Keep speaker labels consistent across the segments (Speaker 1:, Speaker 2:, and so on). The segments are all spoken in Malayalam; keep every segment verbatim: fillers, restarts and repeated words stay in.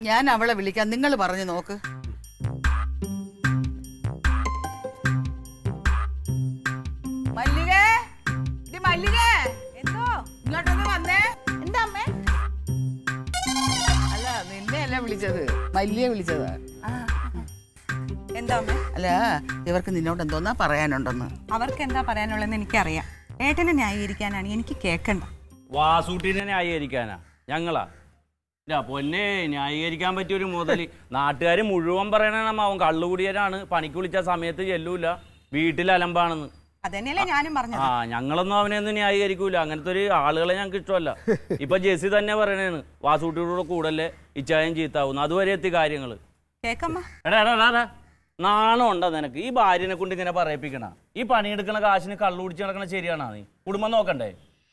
Speaker 1: ഞാൻ അവളെ വിളിക്കാം, നിങ്ങൾ പറഞ്ഞു നോക്ക്. മല്ലികേ, ഇത് മല്ലികേ, എന്തോ ഇങ്ങോട്ടൊന്ന് വന്നേ. എന്താ അമ്മേ? അല്ല, നിന്നെ അല്ല വിളിച്ചത്, മല്ലിയെ വിളിച്ചതാ.
Speaker 2: എന്താ അമ്മേ?
Speaker 1: അല്ല, ഇവർക്ക് നിന്നോട് എന്തോന്നാ പറയാനുണ്ടെന്ന്.
Speaker 2: അവർക്ക് എന്താ പറയാനുള്ളതെന്ന് എനിക്കറിയാം. ഏട്ടനെ ന്യായീകരിക്കാനാണ് എനിക്ക് കേൾക്കണ്ട.
Speaker 3: വാസൂട്ടിനെ ന്യായീകരിക്കാനാ ഞങ്ങളാ? പൊന്നെ, ന്യായീകരിക്കാൻ പറ്റിയൊരു മുതല് നാട്ടുകാർ മുഴുവൻ പറയണ അവൻ കള്ളുകൂടിയനാണ്, പണിക്ക് വിളിച്ച സമയത്ത് ചെല്ലൂല, വീട്ടിൽ അലമ്പാണെന്ന്.
Speaker 2: അതന്നെയല്ലേ ഞാനും പറഞ്ഞു.
Speaker 3: ആ, ഞങ്ങളൊന്നും അവനെ ഒന്നും ന്യായീകരിക്കൂല. അങ്ങനത്തെ ഒരു ആളുകളെ ഞങ്ങൾക്ക് ഇഷ്ടമല്ല. ഇപ്പൊ ജെസ്സി തന്നെ പറയണേന്ന് വാസൂട്ടിയുടെ കൂടല്ലേ ഇച്ചായം ചീത്താവുന്നു. അതുവരെ എത്തി കാര്യങ്ങള്.
Speaker 2: കേക്കമ്മ.
Speaker 3: എടാ എടാ എടാ നാണം ഉണ്ടോ നിനക്ക്? ഈ ഭാര്യനെ കൊണ്ട് ഇങ്ങനെ പറയിപ്പിക്കണ? ഈ പണിയെടുക്കണ കാശിന് കള്ളു കുടിച്ച് നടക്കണ ശരിയാണോ? നീ കുടുംബം നോക്കണ്ടേ?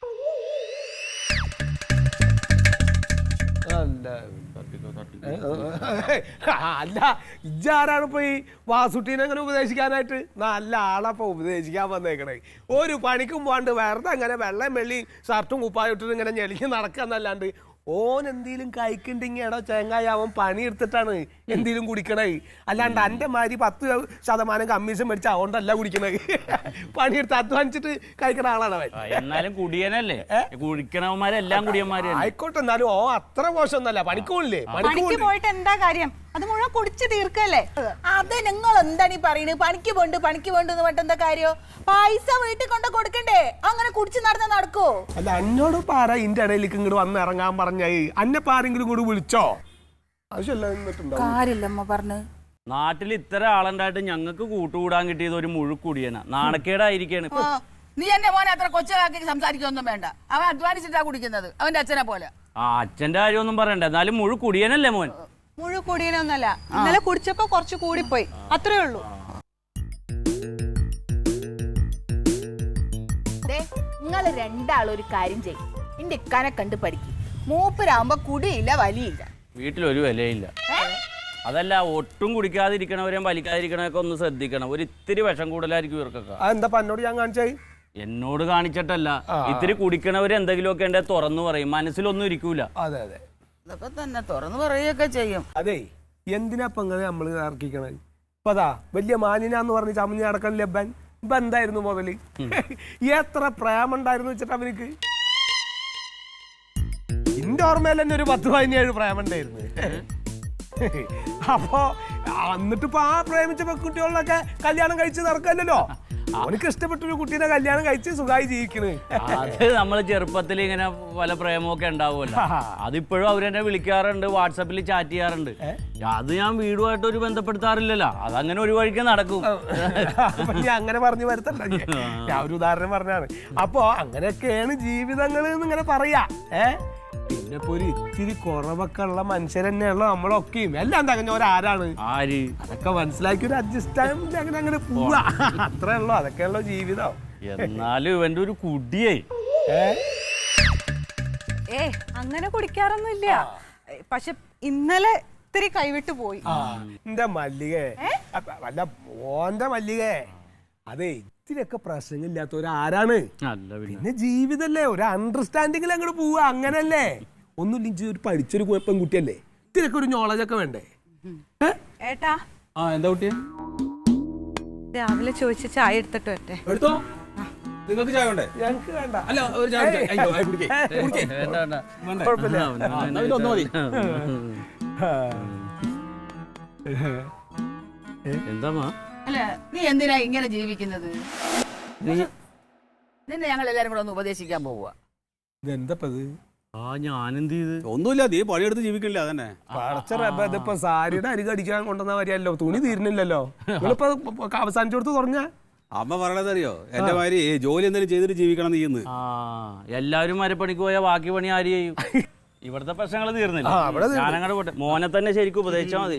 Speaker 4: അല്ല, ഇജാരാണ് ഇപ്പൊ ഈ വാസുട്ടീനെ അങ്ങനെ ഉപദേശിക്കാനായിട്ട്? നല്ല ആളപ്പൊ ഉപദേശിക്കാൻ വന്നേക്കണേ. ഒരു പണിക്കും പോണ്ട് വെറുതെ അങ്ങനെ വെള്ളം വെള്ളി ഷർട്ടും കുപ്പായിട്ടിട്ട് ഇങ്ങനെ ഞെളിഞ്ഞ് നടക്കാന്നല്ലാണ്ട് ഓൻ എന്തേലും കഴിക്കണ്ടെങ്കിൽ എടോ ചേങ്ങായി അവൻ പണിയെടുത്തിട്ടാണ് എന്തേലും കുടിക്കണേ. അല്ലാണ്ട് എൻ്റെ മാതിരി പത്ത് ശതമാനം കമ്മീഷൻ മേടിച്ച അതുകൊണ്ടല്ല കുടിക്കണേ. പണിയെടുത്ത് അധ്വാനിച്ചിട്ട് കഴിക്കണ ആളാണ് അവൻ.
Speaker 3: എന്നാലും കുടിയനല്ലേ? കുടിക്കണവന്മാരെല്ലാം കുടിയന്മാര്
Speaker 4: ആയിക്കോട്ടെ, എന്നാലും ഓ അത്ര മോശമൊന്നല്ല. പണിക്കൂല്ലേ?
Speaker 2: പണിക്ക് പോയിട്ട് എന്താ കാര്യം? അത് മുഴുവൻ കുടിച്ച് തീർക്കല്ലേ?
Speaker 5: അത് നിങ്ങൾ എന്താണ് ഈ പറയുന്നത്? പണിക്ക് പോണ്ട് പണിക്ക് പോണ്ടെന്ന് പറഞ്ഞിട്ട് എന്താ കാര്യം? പൈസ വീട്ടിൽ കൊണ്ട് കൊടുക്കണ്ടേ? അങ്ങനെ കുടിച്ച് നടന്ന നടക്കോ?
Speaker 4: അല്ല, എന്നോട് പാര ഇന്റെ ഇടയിലേക്ക് ഇങ്ങോട്ട് വന്ന് ഇറങ്ങാൻ പറഞ്ഞായി. അന്നപ്പ ആരെങ്കിലും കൂടി വിളിച്ചോ?
Speaker 5: കാര്യമില്ലമ്മ പറഞ്ഞു.
Speaker 3: നാട്ടിൽ ഇത്ര ആളുണ്ടായിട്ട് ഞങ്ങൾക്ക് കൂട്ടുകൂടാൻ കിട്ടിയത് ഒരു മുഴുക്കുടിയനാ. നാണക്കേടായിരിക്കാണ്.
Speaker 1: നീ എന്റെ മോനെ അത്ര കൊച്ചാക്കി സംസാരിക്കൊന്നും വേണ്ട. അവൻ അധ്വാനിച്ചിട്ടാ കുടിക്കുന്നത്, അവന്റെ അച്ഛനെ പോലെ.
Speaker 3: ആ, അച്ഛന്റെ കാര്യമൊന്നും പറയണ്ട. എന്നാലും മുഴുക്കുടിയനല്ലേ മോൻ?
Speaker 2: മുഴു കുടിയനൊന്നല്ല, ഇന്നലെ കുടിച്ചപ്പോ കുറച്ച് കൂടിപ്പോയി, അത്രേ ഉള്ളൂ.
Speaker 5: നിങ്ങൾ രണ്ടാളും ഒരു കാര്യം ചെയ്യും, എന്റെ ഇക്കാനെ കണ്ട് പഠിക്കും. മൂപ്പരാകുമ്പോ കുടിയില്ല വലിയില്ല,
Speaker 3: വീട്ടിലൊരു വിലയില്ല. അതല്ല, ഒട്ടും കുടിക്കാതിരിക്കണവരെയും വലിക്കാതിരിക്കണവരൊക്കെ ഒന്ന് ശ്രദ്ധിക്കണം. ഒരു ഇത്തിരി വിഷം കൂടുതലായിരിക്കും ഇവർക്കൊക്കെ.
Speaker 4: എന്താ എന്നോട് ഞാൻ കാണിച്ചായി?
Speaker 3: എന്നോട് കാണിച്ചിട്ടല്ല, ഇത്തിരി കുടിക്കണവര് എന്തെങ്കിലുമൊക്കെ ഉണ്ടെ തുറന്നു പറയും, മനസ്സിലൊന്നും ഇരിക്കൂല.
Speaker 4: അതെ അതെ,
Speaker 1: ഇതൊക്കെ തന്നെ തുറന്നു പറയുകയൊക്കെ ചെയ്യും.
Speaker 4: അതെ, എന്തിനാ ഇങ്ങനെ നമ്മള് ഇറക്കിക്കണത്? ഇപ്പൊ അതാ വലിയ മാനിനാന്ന് പറഞ്ഞ് ചമഞ്ഞ് നടക്കാൻ ലബൻ ഇപ്പൊ എന്തായിരുന്നു മുതല്? എത്ര പ്രേമുണ്ടായിരുന്നു വെച്ചിട്ട് അവർക്ക്. എന്റെ ഓർമ്മയിൽ തന്നെ ഒരു പത്ത് പതിനേഴ് പ്രേമുണ്ടായിരുന്നു. അപ്പൊ എന്നിട്ടിപ്പോ ആ പ്രേമിച്ച പെൺകുട്ടികളിലൊക്കെ കല്യാണം കഴിച്ച് നടക്കല്ലോ. അവനക്ക് ഇഷ്ടപ്പെട്ടൊരു കുട്ടീനെ കല്യാണം കഴിച്ച് സുഖമായി ജീവിക്കണ്.
Speaker 3: അത് നമ്മള് ചെറുപ്പത്തിൽ ഇങ്ങനെ പല പ്രേമമൊക്കെ ഉണ്ടാവുമല്ലോ. അതിപ്പോഴും അവരെന്നെ വിളിക്കാറുണ്ട്, വാട്സാപ്പിൽ ചാറ്റ് ചെയ്യാറുണ്ട്. അത് ഞാൻ വീടുമായിട്ട് ഒരു ബന്ധപ്പെടുത്താറില്ലല്ലോ. അതങ്ങനെ ഒരു വഴിക്ക് നടക്കും.
Speaker 4: ഞാൻ അങ്ങനെ പറഞ്ഞു വരുത്തണ്ട, ഞാൻ ഒരു ഉദാഹരണം പറഞ്ഞാണ്. അപ്പൊ അങ്ങനെയൊക്കെയാണ് ജീവിതങ്ങൾ ഇങ്ങനെ പറയാ. ഏഹ് പിന്നെ ഇപ്പൊ ഒരു ഇത്തിരി കുറവൊക്കെ ഉള്ള മനുഷ്യർ തന്നെയുള്ള നമ്മളൊക്കെയും എല്ലാം തകഞ്ഞവരാരാണ്? ആര്? അതൊക്കെ മനസ്സിലാക്കി ഒരു അഡ്ജസ്റ്റ് അങ്ങനെ അങ്ങനെ പോവാ, അത്രേ ഉള്ളൂ. അതൊക്കെയുള്ള ജീവിതം.
Speaker 3: എന്നാലും ഇവന്റെ ഒരു കുടിയേ.
Speaker 2: ഏ അങ്ങനെ കുടിക്കാറൊന്നുമില്ല, പക്ഷെ ഇന്നലെ ഇത്തിരി കൈവിട്ട് പോയി.
Speaker 4: എന്റെ മല്ലികേ, അല്ല ഓന്റെ മല്ലികേ, അതെ ഇത്തിരിയൊക്കെ പ്രശ്നങ്ങളില്ലാത്തവരാരാണ്? പിന്നെ ജീവിതല്ലേ, ഒരു അണ്ടർസ്റ്റാൻഡിങ്ങിൽ അങ്ങോട്ട് പോവുക, അങ്ങനല്ലേ? ഒന്നുമില്ല, ഒരു പഠിച്ചൊരു പെൺകുട്ടിയല്ലേ, ഇത്തിരിയൊക്കെ ഒരു നോളജ് ഒക്കെ വേണ്ടേ?
Speaker 2: ഏട്ടാ,
Speaker 6: ആ എന്താ കുട്ടിയെ?
Speaker 2: രാവിലെ ചോദിച്ച ചായ എടുത്തിട്ട് വരട്ടെ.
Speaker 6: എടുത്തോ. നിങ്ങൾക്ക് ചായ വേണ്ടേ?
Speaker 4: ഞങ്ങൾക്ക് വേണ്ട.
Speaker 6: അല്ല, ഒരു ചായ ഒന്നു മതി.
Speaker 3: എന്താ
Speaker 1: അല്ല, നീ എന്തിനാ ഇങ്ങനെ ജീവിക്കുന്നത്? നിന്നെ ഞങ്ങൾ എല്ലാരും കൂടെ ഒന്ന് ഉപദേശിക്കാൻ പോവുക.
Speaker 4: ഇതെന്തപ്പത്?
Speaker 3: ആ, ഞാനെന്ത് ചെയ്ത്?
Speaker 6: ഒന്നുമില്ല, നീ പണിയെടുത്ത് ജീവിക്കില്ല. അതന്നെ
Speaker 4: ഇതിപ്പോ സാരിയുടെ അരി കടിക്കാൻ കൊണ്ടുവന്ന വരിയല്ലോ, തുണി തീരുന്നില്ലല്ലോ. നിങ്ങളിപ്പോ അവസാനിച്ചു കൊടുത്ത് തുറഞ്ഞ
Speaker 6: അമ്മ പറയണതറിയോ? എന്റെ മാതിരി ജോലി എന്തെങ്കിലും ചെയ്തിട്ട് ജീവിക്കണം നീന്ന്.
Speaker 3: ആ, എല്ലാവരും മരപ്പണിക്ക് പോയാൽ ബാക്കി പണി ആര് ചെയ്യും? ഇവിടുത്തെ പ്രശ്നങ്ങൾ തീർന്നില്ല. ഞാനങ്ങോട്ട് പോട്ടെ. മോനെ തന്നെ ശരിക്കും ഉപദേശിച്ചാൽ മതി.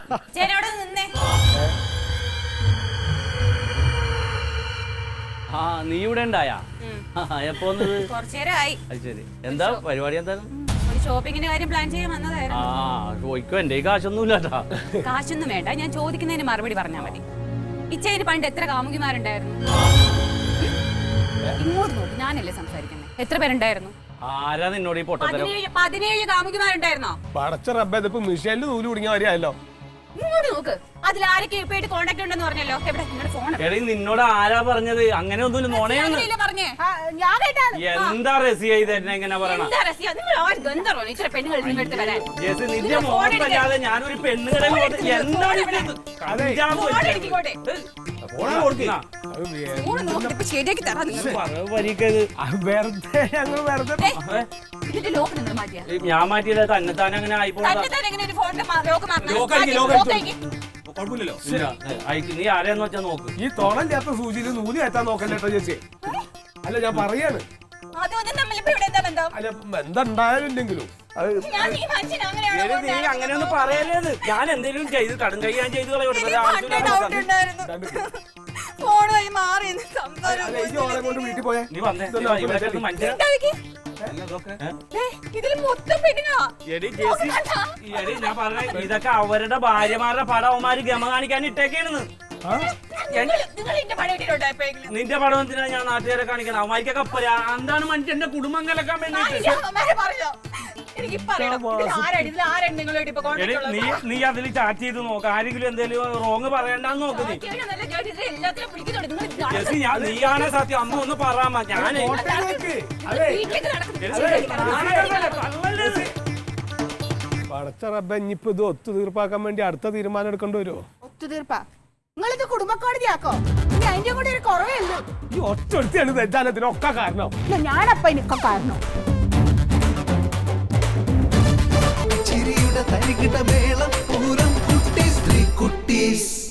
Speaker 3: ആ, നീ ഇവിടെ ഉണ്ടായാ? എപ്പോ വന്നത്?
Speaker 7: കുറച്ചേരായി.
Speaker 3: അത് ശരി. എന്താ പരിപാടി? എന്താണ്?
Speaker 7: ഒരു ഷോപ്പിങ്ങിന്റെ കാര്യം പ്ലാൻ ചെയ്യാൻ വന്നതായിരുന്നു.
Speaker 3: ആ, ചോദിക്കോ, എന്റെ കാശൊന്നുമില്ലാട്ടാ.
Speaker 7: കാശൊന്നും വേണ്ട, ഞാൻ ചോദിക്കുന്നതിന് മറുപടി പറഞ്ഞാൽ മതി. ഇച്ചേന് പണ്ട് എത്ര കാമുകിമാരുണ്ടായിരുന്നു? ഇങ്ങോട്ട് നോക്കി, ഞാനല്ലേ സംസാരിക്കുന്നത്. എത്ര പേരുണ്ടായിരുന്നു?
Speaker 3: ആരാ നിന്നോട് ഈ പൊട്ടത്തരം?
Speaker 7: പതിനേഴ് പതിനേഴ് കാമുകിമാരുണ്ടായിരുന്നോ?
Speaker 4: പടച്ച റബ്ബേ ഇതിപ്പോ മിഷേലിന് നൂല് കുടുങ്ങിയ വരെയല്ലോ.
Speaker 7: ഇങ്ങോട്ട് നോക്ക്, അതിൽ ആരൊക്കെ ഇപ്പൊ കോണ്ടാക്ട് ഉണ്ടെന്ന് പറഞ്ഞല്ലോ. എവിടെ നിങ്ങളുടെ ഫോൺ?
Speaker 3: എടീ നിന്നോട് ആരാ പറഞ്ഞത്? അങ്ങനെ ഒന്നുമില്ല, നോണയാണ്.
Speaker 7: പറഞ്ഞേ
Speaker 5: ആ, ഞാൻ കേട്ടാണ്.
Speaker 3: എന്താ റസിയ ഇത് എന്നെ എങ്ങനെ പറയണ?
Speaker 7: എന്താ രസ്യ? നിങ്ങൾ ആര് ഗന്ധർവ്വോ? ഇച്ചിരി പെണ്ണുങ്ങൾ നിങ്ങളുടെ അടുത്ത് വരാൻ.
Speaker 3: ജെസ്സി, നിന്റെ മോഹത്തല്ലാതെ ഞാനൊരു പെണ്ണുകളെ എന്താണ് ഇവിടെ ഇത്? കഞ്ചാവ്
Speaker 7: ഫോൺ
Speaker 3: വെച്ചത്.
Speaker 7: എടുക്കിക്കോട്ടെ.
Speaker 3: ഫോൺ കൊടുക്കുന്ന.
Speaker 4: അത് വേ-
Speaker 7: ഫോൺ നോക്കിട്ട് ഇപ്പൊ ശരിയാക്കി തരാം നിങ്ങൾ.
Speaker 3: പറവ് പരിക്കത്.
Speaker 4: അത് വെറുതെ ഞങ്ങൾ വെറുതെ
Speaker 7: ഏ, ഇതിന്റെ ലോക്ക് നിങ്ങൾ മാറ്റിയാ?
Speaker 3: ഞാൻ മാറ്റിയില്ല, തന്നെ താൻ അങ്ങനെ ആയിപ്പോടാ.
Speaker 7: തന്നെ തന്നെ എങ്ങനെ ഒരു ഫോണിന്റെ മാ- ലോക്ക് മാറ്റണം?
Speaker 6: ലോക്ക് അടിക്ക്,
Speaker 7: മാറ്റി,
Speaker 6: ലോക്ക്
Speaker 7: ലോക്ക്
Speaker 6: അടിക്ക്.
Speaker 7: അടിക്ക്.
Speaker 6: കുഴപ്പമില്ലല്ലോ.
Speaker 3: ഇല്ല, അയക്ക്. നീ ആരെയെന്ന് വെച്ചാ നോക്ക്.
Speaker 4: ഈ തോളല്ലാത്ത സൂചിയിൽ നൂല് കയറ്റാൻ നോക്കല്ലേ കേട്ടോ ചേച്ചി. അല്ല ഞാൻ പറയാണ്.
Speaker 7: അതും ഇതും തമ്മിൽ ഇപ്പൊ ഇവിടെ എന്താ ബന്ധം?
Speaker 4: അല്ല എന്തുണ്ടായാലും ഇല്ലെങ്കിലും അത്
Speaker 7: ഞാൻ ഈ മനുഷ്യൻ അങ്ങനെയാണോ
Speaker 3: എടി, നീ അങ്ങനെയൊന്നും പറയലേന്ന്. ഞാൻ എന്തെങ്കിലും ചെയ്ത് കടും കൈ ഞാൻ ചെയ്ത് കളയോട്ടെ.
Speaker 7: എനിക്ക് പണ്ടേ ഡൗട്ട് ഉണ്ടായിരുന്നു. ഫോൺ വഴി മാറി നിന്ന് സംസാരം
Speaker 4: അല്ല ഈ ഓളെ കൊണ്ട് വീട്ടിൽ പോയേ.
Speaker 3: നീ വന്നേ. നീ വാ, ഇവിടെ കിടന്ന് മനുഷ്യനെ.
Speaker 7: ഉണ്ടാക്കി.
Speaker 6: ഇതൊക്കെ
Speaker 7: ഏ, ഇതില് മൊത്തം പെണ്ണുങ്ങളാ.
Speaker 3: എടി ജെസ്സി, എടി ഞാൻ പറഞ്ഞ ഇതൊക്കെ അവരുടെ ഭാര്യമാരുടെ പടം അവന്മാര് ഗമ കാണിക്കാൻ ഇട്ടേക്കാണെന്ന്.
Speaker 7: നിങ്ങൾ നിങ്ങൾ എന്റെ പണി കിട്ടിയിട്ടുണ്ടോ എപ്പോഴെങ്കിലും?
Speaker 3: നിന്റെ പടം എന്തിനാ ഞാൻ നാട്ടുകാരെ കാണിക്കണം? അവന്മാർക്കൊക്കെ പരാ എന്താണ് മനുഷ്യന്റെ കുടുംബം കലക്കാൻ വേണ്ടിട്ട്.
Speaker 7: അമ്മമാരെ പറഞ്ഞോ? എനിക്ക് പറയണം. ഇതിൽ ആരാണ് ഇതിൽ ആരാണ് നിങ്ങളോട് ഇപ്പൊ
Speaker 3: എടി
Speaker 7: കോൺടാക്ട്
Speaker 3: നീ നീ അതിൽ ചാറ്റ് ചെയ്ത് നോക്ക്. ആരെങ്കിലും എന്തെങ്കിലും റോങ് പറയണ്ടെന്ന് നോക്ക് നീ.
Speaker 7: നല്ല ജോലി ഇത് എല്ലാത്തിലും പിടിക്കുന്നുണ്ട്. നിങ്ങൾ ഇത് നട-
Speaker 3: ജെസ്സി, ഞാൻ നീയാണ് സത്യം. അമ്മ ഒന്ന് പറയാമ. ഞാനേ
Speaker 4: കോട്ടയിലേക്ക്. അതെ
Speaker 7: വീട്ടിലേക്ക് നടക്കുന്നു.
Speaker 4: പടച്ച റബ്ബെ ഇനിയിപ്പോ ഇത് ഒത്തു തീർപ്പാക്കാൻ വേണ്ടി അടുത്ത തീരുമാനം എടുക്കേണ്ടി വരുമോ?
Speaker 5: ഒത്തുതീർപ്പാ നിങ്ങളിത് കുടുംബക്കോടതിയാക്കോ? ഇനി അതിന്റെ കൂടെ ഒരു കുറവേ ഉള്ളൂ.
Speaker 4: ഈ ഒറ്റ ഒരുത്തിയാണ് തെറ്റാനത്തിനൊക്കെ കാരണം.
Speaker 5: ഞാനപ്പ എനിക്കൊക്കെ കാരണം.
Speaker 8: ചിരിയുടെ തരികിട മേളം പൂരം കുട്ടീസ് ത്രീ കുട്ടീസ്